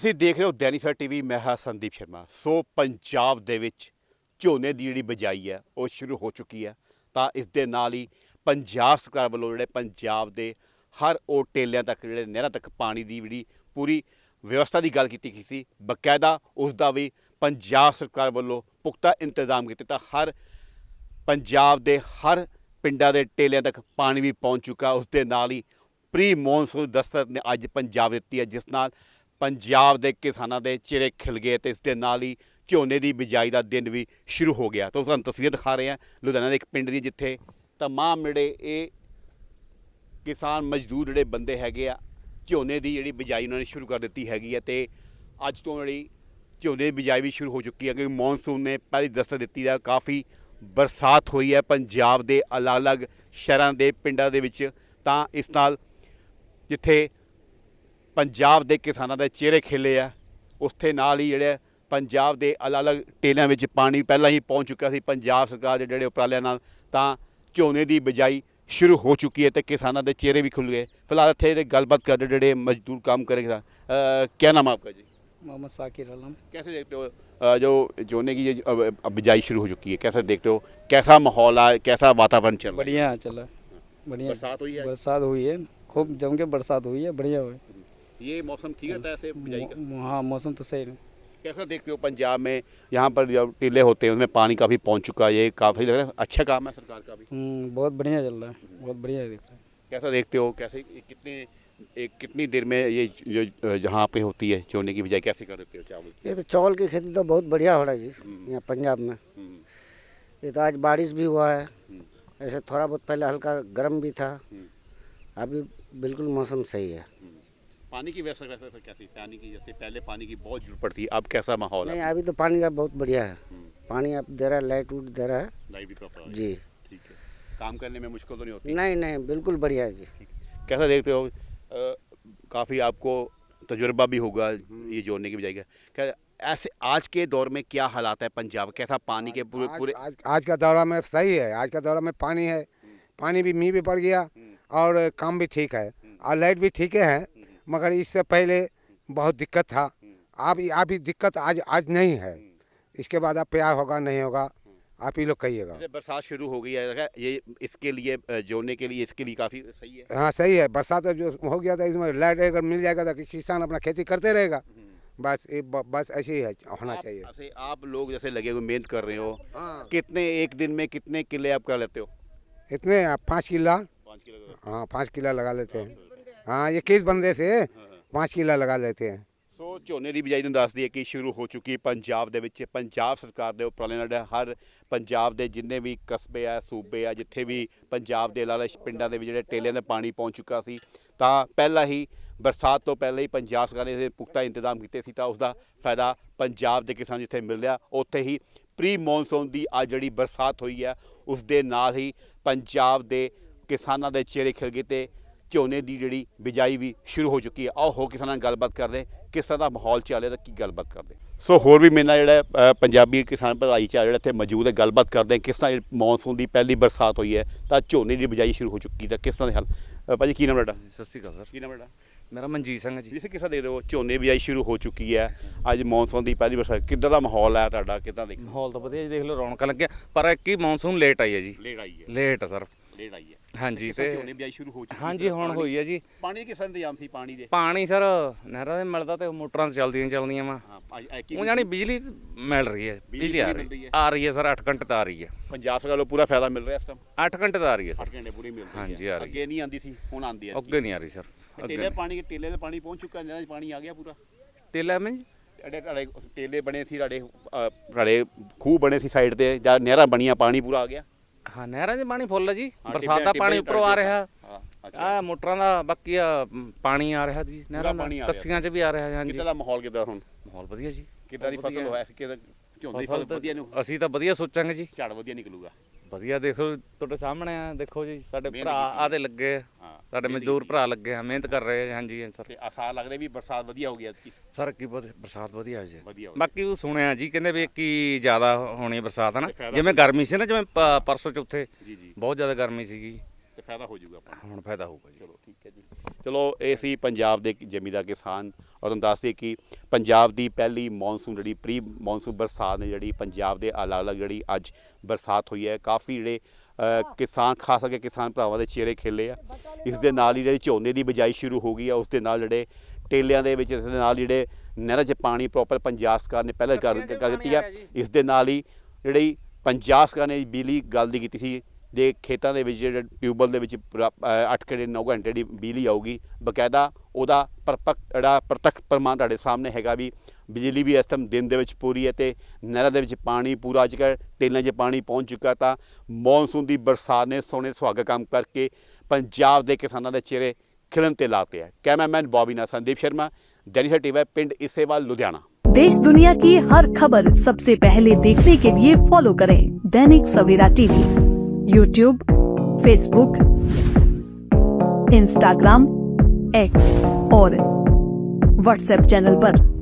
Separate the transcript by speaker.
Speaker 1: ਤੁਸੀਂ ਦੇਖ ਰਹੇ ਹੋ ਦੈਨਿਕ ਸਵੇਰਾ ਟੀਵੀ। ਮੈਂ ਹਾਂ ਸੰਦੀਪ ਸ਼ਰਮਾ। ਸੋ ਪੰਜਾਬ ਦੇ ਵਿੱਚ ਝੋਨੇ ਦੀ ਜਿਹੜੀ ਬਿਜਾਈ ਹੈ ਉਹ ਸ਼ੁਰੂ ਹੋ ਚੁੱਕੀ ਹੈ। ਤਾਂ ਇਸ ਦੇ ਨਾਲ ਹੀ ਪੰਜਾਬ ਸਰਕਾਰ ਵੱਲੋਂ ਜਿਹੜੇ ਪੰਜਾਬ ਦੇ ਹਰ ਉਹ ਟੇਲਿਆਂ ਤੱਕ ਜਿਹੜੇ ਨਹਿਰਾਂ ਤੱਕ ਪਾਣੀ ਦੀ ਜਿਹੜੀ ਪੂਰੀ ਵਿਵਸਥਾ ਦੀ ਗੱਲ ਕੀਤੀ ਗਈ ਸੀ, ਬਕਾਇਦਾ ਉਸ ਦਾ ਵੀ ਪੰਜਾਬ ਸਰਕਾਰ ਵੱਲੋਂ ਪੁਖਤਾ ਇੰਤਜ਼ਾਮ ਕੀਤੇ। ਤਾਂ ਹਰ ਪੰਜਾਬ ਦੇ ਹਰ ਪਿੰਡਾਂ ਦੇ ਟੇਲਿਆਂ ਤੱਕ ਪਾਣੀ ਵੀ ਪਹੁੰਚ ਚੁੱਕਾ। ਉਸ ਦੇ ਨਾਲ ਹੀ ਪ੍ਰੀ ਮੌਨਸੂਨ ਦਸਤਕ ਨੇ ਅੱਜ ਪੰਜਾਬ ਦਿੱਤੀ ਹੈ, ਜਿਸ ਨਾਲ ਪੰਜਾਬ ਦੇ ਕਿਸਾਨਾਂ ਦੇ ਚਿਹਰੇ ਖਿਲ ਗਏ ਅਤੇ ਇਸ ਦੇ ਨਾਲ ਹੀ ਝੋਨੇ ਦੀ ਬਿਜਾਈ ਦਾ ਦਿਨ ਵੀ ਸ਼ੁਰੂ ਹੋ ਗਿਆ। ਤਾਂ ਤੁਹਾਨੂੰ ਤਸਵੀਰ ਦਿਖਾ ਰਹੇ ਹਾਂ ਲੁਧਿਆਣਾ ਦੇ ਇੱਕ ਪਿੰਡ ਦੀ, ਜਿੱਥੇ ਤਮਾਮ ਜਿਹੜੇ ਇਹ ਕਿਸਾਨ ਮਜ਼ਦੂਰ ਜਿਹੜੇ ਬੰਦੇ ਹੈਗੇ ਆ, ਝੋਨੇ ਦੀ ਜਿਹੜੀ ਬਿਜਾਈ ਉਹਨਾਂ ਨੇ ਸ਼ੁਰੂ ਕਰ ਦਿੱਤੀ ਹੈਗੀ ਹੈ। ਅਤੇ ਅੱਜ ਤੋਂ ਜਿਹੜੀ ਝੋਨੇ ਦੀ ਬਿਜਾਈ ਵੀ ਸ਼ੁਰੂ ਹੋ ਚੁੱਕੀ ਹੈ, ਕਿਉਂਕਿ ਮੌਨਸੂਨ ਨੇ ਪਹਿਲੀ ਦਸਤਕ ਦਿੱਤੀ ਹੈ। ਕਾਫੀ ਬਰਸਾਤ ਹੋਈ ਹੈ ਪੰਜਾਬ ਦੇ ਅਲੱਗ-ਅਲੱਗ ਸ਼ਹਿਰਾਂ ਦੇ ਪਿੰਡਾਂ ਦੇ ਵਿੱਚ। ਤਾਂ ਇਸ ਨਾਲ ਜਿੱਥੇ ਪੰਜਾਬ ਦੇ ਕਿਸਾਨਾਂ ਦੇ ਚਿਹਰੇ ਖਿਲੇ ਆ, ਉਸਦੇ ਨਾਲ ਹੀ ਜਿਹੜੇ ਪੰਜਾਬ ਦੇ ਅਲੱਗ-ਅਲੱਗ ਟੇਲਿਆਂ ਵਿੱਚ ਪਾਣੀ ਪਹਿਲਾਂ ਹੀ ਪਹੁੰਚ ਚੁੱਕਿਆ ਸੀ ਪੰਜਾਬ ਸਰਕਾਰ ਦੇ ਜਿਹੜੇ ਉਪਰਾਲਿਆਂ ਨਾਲ। ਤਾਂ ਝੋਨੇ ਦੀ ਬਿਜਾਈ शुरू हो चुकी है तो किसानों के चेहरे भी खुल गए। फिलहाल इतने गलबात कर रहे जो मजदूर काम करेंगे। क्या नाम है आपका जी?
Speaker 2: मोहम्मद साकिर आलम।
Speaker 1: कैसे देखते हो जो झोने की बिजाई शुरू हो चुकी है, कैसे देखते हो, कैसा माहौल है, कैसा वातावरण चल रहा है?
Speaker 2: बढ़िया चला, बढ़िया।
Speaker 1: बरसात हुई है?
Speaker 2: बरसात हुई है, खूब जम के बरसात हुई है, बढ़िया हुई।
Speaker 1: ये मौसम ठीक रहता है ऐसे बिजाई का?
Speaker 2: हाँ मौसम तो सही है।
Speaker 1: कैसा देखते हो पंजाब में यहाँ पर जो टीले होते हैं उनमें पानी काफ़ी पहुँच चुका है, ये काफ़ी लग रहा है अच्छा काम है सरकार का भी?
Speaker 2: बहुत बढ़िया चल रहा है, बहुत बढ़िया दिख रहा है।
Speaker 1: कैसा देखते हो, कैसे कितनी देर में ये जो जहाँ पे होती है झोने की बिजाई कैसे कर देते हो चावल?
Speaker 3: ये तो चावल की खेती तो बहुत बढ़िया हो रहा है जी यहाँ पंजाब में। ये तो आज बारिश भी हुआ है, ऐसे थोड़ा बहुत पहले हल्का गर्म भी था, अभी बिल्कुल मौसम सही है।
Speaker 1: पानी की व्यवस्था क्या थी? पानी की जैसे पहले पानी की बहुत जरूरत पड़ती है, अब कैसा माहौल
Speaker 3: नहीं
Speaker 1: है?
Speaker 3: अभी तो पानी का बहुत बढ़िया है, पानी अब दे रहा है, लाइट वूट दे रहा है
Speaker 1: लाइट भी प्रॉपर
Speaker 3: जी।
Speaker 1: ठीक है, काम करने में मुश्किल तो नहीं होती?
Speaker 3: नहीं नहीं बिल्कुल बढ़िया है जी।
Speaker 1: कैसा देखते हो, काफ़ी आपको तजुर्बा भी होगा ये जोड़ने की बजाय का, क्या ऐसे आज के दौर में क्या हालात है पंजाब, कैसा पानी के पूरे
Speaker 4: आज का दौरा में सही है, आज का दौरा में पानी है, पानी भी मीह भी पड़ गया और काम भी ठीक है और लाइट भी ठीक है। मगर इससे पहले बहुत दिक्कत था, अभी दिक्कत आज नहीं है। इसके बाद अब प्यार होगा नहीं होगा आप ही लोग कहिएगा।
Speaker 1: बरसात शुरू हो गई है, ये इसके लिए जोड़ने के लिए इसके लिए काफ़ी सही है।
Speaker 4: हाँ सही है, बरसात जो हो गया था इसमें लाइट अगर मिल जाएगा तो किसान अपना खेती करते रहेगा। बस ऐसे ही है, होना चाहिए।
Speaker 1: ऐसे आप लोग जैसे लगे हुए मेहनत कर रहे हो, कितने एक दिन में कितने किले आप कर लेते हो?
Speaker 4: इतने 5 किला,
Speaker 1: 5 किलो?
Speaker 4: हाँ 5 किला लगा लेते हैं। हाँ ये किस बंदे से 5 किला लगा लेते हैं।
Speaker 1: ਸੋ ਝੋਨੇ ਦੀ ਬਿਜਾਈ ਨੂੰ ਦੱਸ ਦਈਏ ਕਿ ਸ਼ੁਰੂ ਹੋ ਚੁੱਕੀ ਪੰਜਾਬ ਦੇ ਵਿੱਚ। ਪੰਜਾਬ ਸਰਕਾਰ ਦੇ ਉਪਰਾਲੇ ਨਾਲ ਹਰ ਪੰਜਾਬ ਦੇ ਜਿੰਨੇ ਵੀ ਕਸਬੇ ਆ, ਸੂਬੇ ਆ, ਜਿੱਥੇ ਵੀ ਪੰਜਾਬ ਦੇ ਲਾਲਾ ਪਿੰਡਾਂ ਦੇ ਵਿੱਚ ਜਿਹੜੇ ਟੇਲਿਆਂ ਦਾ ਪਾਣੀ ਪਹੁੰਚ ਚੁੱਕਾ ਸੀ, ਤਾਂ ਪਹਿਲਾਂ ਹੀ ਬਰਸਾਤ ਤੋਂ ਪਹਿਲਾਂ ਹੀ ਪੰਜਾਬ ਸਰਕਾਰ ਨੇ ਇਹਦੇ ਪੁਖਤਾ ਇੰਤਜ਼ਾਮ ਕੀਤੇ ਸੀ। ਤਾਂ ਉਸ ਦਾ ਫਾਇਦਾ ਪੰਜਾਬ ਦੇ ਕਿਸਾਨ ਜਿੱਥੇ ਮਿਲ ਰਿਹਾ, ਉੱਥੇ ਹੀ ਪ੍ਰੀ ਮੌਨਸੂਨ ਦੀ ਅੱਜ ਜਿਹੜੀ ਬਰਸਾਤ ਹੋਈ ਹੈ ਉਸ ਦੇ ਨਾਲ ਹੀ ਪੰਜਾਬ ਦੇ ਕਿਸਾਨਾਂ ਦੇ ਚਿਹਰੇ ਖਿਲ ਗਏ ਤੇ ਝੋਨੇ ਦੀ ਜਿਹੜੀ ਬਿਜਾਈ ਵੀ ਸ਼ੁਰੂ ਹੋ ਚੁੱਕੀ ਹੈ। ਆਓ ਹੋ ਕਿਸਾਨਾਂ ਨਾਲ ਗੱਲਬਾਤ ਕਰਦੇ ਕਿਸ ਤਰ੍ਹਾਂ ਦਾ ਮਾਹੌਲ ਚੱਲ ਰਿਹਾ ਤਾਂ ਕੀ ਗੱਲਬਾਤ ਕਰਦੇ। ਸੋ ਹੋਰ ਵੀ ਮੇਰੇ ਨਾਲ ਜਿਹੜਾ ਪੰਜਾਬੀ ਕਿਸਾਨ ਭਰਾਈ ਚ ਜਿਹੜਾ ਇੱਥੇ ਮੌਜੂਦ ਹੈ, ਗੱਲਬਾਤ ਕਰਦੇ ਕਿਸ ਤਰ੍ਹਾਂ ਮੌਨਸੂਨ ਦੀ ਪਹਿਲੀ ਬਰਸਾਤ ਹੋਈ ਹੈ ਤਾਂ ਝੋਨੇ ਦੀ ਬਿਜਾਈ ਸ਼ੁਰੂ ਹੋ ਚੁੱਕੀ ਤਾਂ ਕਿਸ ਤਰ੍ਹਾਂ ਦੇ ਹਾਲ। ਭਾਜੀ ਕੀ ਨਾਮ ਤੁਹਾਡਾ?
Speaker 5: ਸਤਿ ਸ਼੍ਰੀ ਅਕਾਲ ਸਰ।
Speaker 1: ਕੀ ਨਾਮ ਤੁਹਾਡਾ?
Speaker 5: ਮੇਰਾ ਮਨਜੀਤ ਸਿੰਘ ਜੀ।
Speaker 1: ਜਿਸ ਕਿਸ ਤਰ੍ਹਾਂ ਦੇ ਰਹੇ ਹੋ, ਝੋਨੇ ਬਿਜਾਈ ਸ਼ੁਰੂ ਹੋ ਚੁੱਕੀ ਹੈ, ਅੱਜ ਮੌਨਸੂਨ ਦੀ ਪਹਿਲੀ ਬਰਸਾਤ, ਕਿੱਦਾਂ ਦਾ ਮਾਹੌਲ ਹੈ ਤੁਹਾਡਾ, ਕਿੱਦਾਂ ਦੇਖ?
Speaker 5: ਮਾਹੌਲ ਤਾਂ ਵਧੀਆ ਜੀ, ਦੇਖ ਲਓ ਰੌਣਕਾਂ ਲੱਗਿਆ, ਪਰ ਇੱਕ ਹੀ ਮੌਨਸੂਨ ਲੇਟ ਆਈ ਹੈ ਜੀ।
Speaker 1: ਲੇਟ ਆਈ ਹੈ?
Speaker 5: ਲੇਟ ਸਰ,
Speaker 1: ਲੇਟ ਆਈ ਹੈ
Speaker 5: ਹਾਂਜੀ।
Speaker 1: ਤੇ ਝੋਨੇ ਬਿਜਾਈ ਸ਼ੁਰੂ ਹੋ ਚੁੱਕੀ?
Speaker 5: ਹਾਂਜੀ ਹੁਣ ਹੋਈ ਹੈ ਜੀ।
Speaker 1: ਪਾਣੀ ਕਿਸ ਤਰ੍ਹਾਂ ਇੰਤਜ਼ਾਮ ਸੀ ਪਾਣੀ ਦੇ?
Speaker 5: ਪਾਣੀ ਸਰ ਨਹਿਰਾਂ ਦੇ ਮਿਲਦਾ ਤੇ ਮੋਟਰਾਂ ਚੱਲਦੀਆਂ ਵਾ। ਉਹ ਜਾਨੀ ਬਿਜਲੀ ਮਿਲ ਰਹੀ ਹੈ, ਬਿਜਲੀ ਆ ਰਹੀ ਹੈ ਸਰ, 8 ਘੰਟੇ ਤਾਂ ਆ ਰਹੀ ਹੈ।
Speaker 1: ਪੰਜਾਬ ਸਰਕਾਰ ਨੂੰ ਪੂਰਾ ਫਾਇਦਾ ਮਿਲ ਰਿਹਾ ਇਸ ਟਾਈਮ?
Speaker 5: 8 ਘੰਟੇ ਤਾਂ ਆ ਰਹੀ ਹੈ ਸਰ।
Speaker 1: 8 ਘੰਟੇ ਪੂਰੀ ਮਿਲ ਰਹੀ ਹੈ।
Speaker 5: ਹਾਂਜੀ ਆ ਰਹੀ
Speaker 1: ਅੱਗੇ ਨਹੀਂ ਆਉਂਦੀ ਸੀ, ਹੁਣ ਆਉਂਦੀ ਹੈ।
Speaker 5: ਅੱਗੇ ਨਹੀਂ ਆ ਰਹੀ ਸਰ।
Speaker 1: ਟੇਲੇ ਦੇ ਪਾਣੀ ਪਹੁੰਚ ਚੁੱਕਾ, ਨਹਿਰਾਂ 'ਚ ਪਾਣੀ ਆ ਗਿਆ ਪੂਰਾ?
Speaker 5: ਤੇਲਾ ਮੈਂ ਜੀ
Speaker 1: ਤੁਹਾਡੇ ਟੇਲੇ ਬਣੇ ਸੀ, ਤੁਹਾਡੇ ਖੂਹ ਬਣੇ ਸੀ ਸਾਈਡ ਤੇ, ਜਾਂ ਨਹਿਰਾਂ ਬਣੀਆਂ, ਪਾਣੀ ਪੂਰਾ ਆ ਗਿਆ?
Speaker 5: ਹਾਂ ਨਹਿਰਾਂ 'ਚ ਪਾਣੀ ਫੁੱਲ ਜੀ, ਬਰਸਾਤ ਦਾ ਪਾਣੀ ਉੱਪਰੋਂ ਆ ਰਿਹਾ। ਆ ਮੋਟਰਾਂ ਦਾ ਬਾਕੀ ਪਾਣੀ ਆ ਰਿਹਾ ਜੀ, ਨਹਿਰਾਂ ਦਾ ਕੱਸੀਆਂ 'ਚ ਵੀ ਆ ਰਿਹਾ। ਹਾਂਜੀ
Speaker 1: ਕਿੱਦਾਂ ਦਾ ਮਾਹੌਲ, ਕਿੱਦਾਂ ਹੁਣ
Speaker 5: ਮਾਹੌਲ ਵਧੀਆ ਜੀ।
Speaker 1: ਕਿੱਦਾਂ ਦੀ ਫਸਲ ਹੋਇਆ ਸੀ, ਝੋਨੇ ਦੀ ਫਸਲ ਵਧੀਆ ਨੂੰ?
Speaker 5: ਅਸੀਂ ਤਾਂ ਵਧੀਆ ਸੋਚਾਂਗੇ ਜੀ,
Speaker 1: ਝਾੜ ਵਧੀਆ ਨਿਕਲੂਗਾ।
Speaker 5: ਵਧੀਆ ਦੇਖੋ ਤੁਹਾਡੇ ਸਾਹਮਣੇ ਆ, ਦੇਖੋ ਜੀ ਸਾਡੇ ਭਰਾ ਆਦੇ ਲੱਗੇ ਆ, ਸਾਡੇ ਮਜ਼ਦੂਰ ਭਰਾ ਲੱਗੇ ਆ, ਮਿਹਨਤ ਕਰ ਰਹੇ ਆ। ਹਾਂਜੀ ਸਰ।
Speaker 1: ਤੇ ਆਸਾਰ ਲੱਗਦਾ ਵੀ ਬਰਸਾਤ ਵਧੀਆ ਹੋ ਗਈ ਐਤਕੀ?
Speaker 5: ਸਰ ਕੀ ਬਰਸਾਤ ਵਧੀਆ ਹੋਈ ਜੀ।
Speaker 1: ਵਧੀਆ
Speaker 5: ਬਾਕੀ ਉਹ ਸੁਣਿਆ ਜੀ, ਕਹਿੰਦੇ ਵੀ ਕੀ ਜ਼ਿਆਦਾ ਹੋਣੀ ਬਰਸਾਤ ਹੈ ਨਾ, ਜਿਵੇਂ ਗਰਮੀ ਸੀ ਨਾ, ਜਿਵੇਂ ਪਰਸੋਂ ਚੌਥੇ
Speaker 1: ਜੀ
Speaker 5: ਬਹੁਤ ਜ਼ਿਆਦਾ ਗਰਮੀ ਸੀਗੀ,
Speaker 1: ਤੇ ਫਾਇਦਾ ਹੋ ਜਾਊਗਾ ਆਪਾਂ
Speaker 5: ਹੁਣ ਫਾਇਦਾ ਹੋਊਗਾ ਜੀ।
Speaker 1: ਚਲੋ ਠੀਕ ਹੈ ਜੀ। ਚਲੋ ਇਹ ਸੀ ਪੰਜਾਬ ਦੇ ਜ਼ਮੀਂਦਾਰ ਕਿਸਾਨ। ਔਰ ਤੁਹਾਨੂੰ ਦੱਸਦੇ ਕਿ ਪੰਜਾਬ ਦੀ ਪਹਿਲੀ ਮੌਨਸੂਨ ਜਿਹੜੀ ਪ੍ਰੀ ਮੌਨਸੂਨ ਬਰਸਾਤ ਨੇ ਜਿਹੜੀ ਪੰਜਾਬ ਦੇ ਅਲੱਗ-ਅਲੱਗ ਜਿਹੜੀ ਅੱਜ ਬਰਸਾਤ ਹੋਈ ਹੈ, ਕਾਫੀ ਜਿਹੜੇ ਕਿਸਾਨ ਖਾਸ ਕਰਕੇ ਕਿਸਾਨ ਭਰਾਵਾਂ ਦੇ ਚਿਹਰੇ ਖਿਲੇ ਆ। ਇਸ ਦੇ ਨਾਲ ਹੀ ਜਿਹੜੀ ਝੋਨੇ ਦੀ ਬਿਜਾਈ ਸ਼ੁਰੂ ਹੋ ਗਈ ਆ, ਉਸ ਦੇ ਨਾਲ ਜਿਹੜੇ ਟੇਲਿਆਂ ਦੇ ਵਿੱਚ, ਇਸ ਦੇ ਨਾਲ ਜਿਹੜੇ ਨਹਿਰਾਂ 'ਚ ਪਾਣੀ ਪ੍ਰੋਪਰ ਪੰਜਾਬ ਸਰਕਾਰ ਨੇ ਪਹਿਲਾਂ ਕਰ ਦਿੱਤੀ ਆ। ਇਸ ਦੇ ਨਾਲ ਹੀ ਜਿਹੜੀ ਪੰਜਾਬ ਸਰਕਾਰ ਨੇ ਬਿਜਲੀ ਗੱਲ ਦੀ ਕੀਤੀ ਸੀ ਦੇ ਖੇਤਾਂ ਦੇ ਵਿੱਚ ਜਿਹੜੇ ਟਿਊਬਵੈੱਲ ਦੇ ਵਿੱਚ 8 ਘੰਟੇ 9 ਘੰਟੇ ਦੀ ਬਿਜਲੀ ਆਊਗੀ, ਬਕਾਇਦਾ ਉਹਦਾ ਪ੍ਰਤੱਖ ਪ੍ਰਮਾਣ ਤੁਹਾਡੇ ਸਾਹਮਣੇ ਹੈਗਾ ਵੀ ਬਿਜਲੀ ਵੀ ਇਸ ਟਾਈਮ ਦਿਨ ਦੇ ਵਿੱਚ ਪੂਰੀ ਹੈ ਤੇ ਨਹਿਰਾਂ ਦੇ ਵਿੱਚ ਪਾਣੀ ਪੂਰਾ ਅੱਜ ਕੱਲ੍ਹ ਟੇਲਾਂ 'ਚ ਪਾਣੀ ਪਹੁੰਚ ਚੁੱਕਾ। ਤਾਂ ਮੌਨਸੂਨ ਦੀ ਬਰਸਾਤ ਨੇ ਸੋਹਣੇ ਸੁਹਾਗਾ ਕੰਮ ਕਰਕੇ ਪੰਜਾਬ ਦੇ ਕਿਸਾਨਾਂ ਦੇ ਚਿਹਰੇ खिलन ते लाते हैं। Cameraman Bobby Nath, Sandeep Sharma, Dainik TV, पिंड इसेवाल, लुधियाना।
Speaker 6: देश दुनिया की हर खबर सबसे पहले देखने के लिए फॉलो करें Dainik Savera TV, YouTube, Facebook, Instagram, X और व्हाट्सएप चैनल पर।